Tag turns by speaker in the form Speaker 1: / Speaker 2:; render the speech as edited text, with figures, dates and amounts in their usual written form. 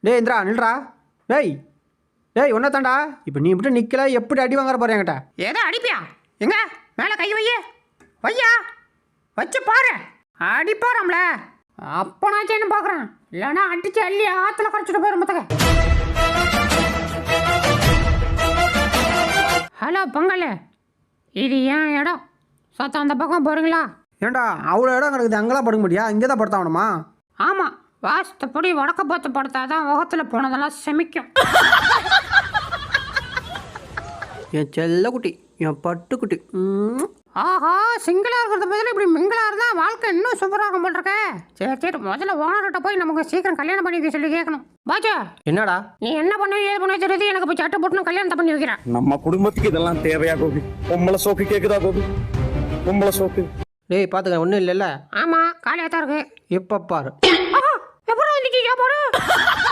Speaker 1: டேய் இந்திரா நில்றா. டேய் டேய் ஒன்றை தாண்டா. இப்போ நீ மட்டும் நிற்கல, எப்படி அடி வாங்குற போகிறேன் என்கிட்ட?
Speaker 2: ஏதோ அடிப்பியா? எங்க மேலே கை வையே, வையா வச்சு பாரு. அடிப்பாராம்ல அப்போ நான் செய்யணும் பார்க்குறேன். இல்லைன்னா அடிச்சு அள்ளி ஆற்றுல குறைச்சிட்டு போயிடும் மொத்தக. ஹலோ பொங்கல், இது ஏன் இடம். சத்தம் அந்த பக்கம் போகிறீங்களா?
Speaker 1: ஏன்டா அவ்வளோ இடம் கிடக்குது, அங்கெல்லாம் படுக்க முடியா? இங்கே தான் படுத்தாகணுமா?
Speaker 2: ஆமாம், வாஸ்தப்படி வடக்க பார்த்து படுத்தாதான் முகத்தில் போனதெல்லாம் செமிக்கும்.
Speaker 1: என் செல்ல குட்டி, என் பட்டுக்குட்டி.
Speaker 2: ஆஹா, சிங்கிளாக இருக்கிறத பதில் இப்படி மிங்கிளாக இருந்தால் வாழ்க்கை இன்னும் சூப்பராக போட்டிருக்க. சரி சரி, முதல்ல ஓனர்கிட்ட போய் நமக்கு சீக்கிரம் கல்யாணம் பண்ணி வைக்க சொல்லி கேட்கணும். பாஜா
Speaker 1: என்னடா
Speaker 2: நீ என்ன பண்ண ஏது பண்ண தெரியுது, எனக்கு போய் சட்டை போட்டு கல்யாணத்தை பண்ணி வைக்கிறேன்.
Speaker 3: நம்ம குடும்பத்துக்கு இதெல்லாம் தேவையா கோபி? பொம்பளை சோக்கு கேக்குதா கோபி? பொம்பளை சோக்கு.
Speaker 1: டேய் பார்த்துக்க, ஒன்றும் இல்லைல்ல.
Speaker 2: ஆமாம், காலியாக தான் இருக்கு.
Speaker 1: இப்போ பாரு.
Speaker 2: எப்போ வந்துச்சு பாரு.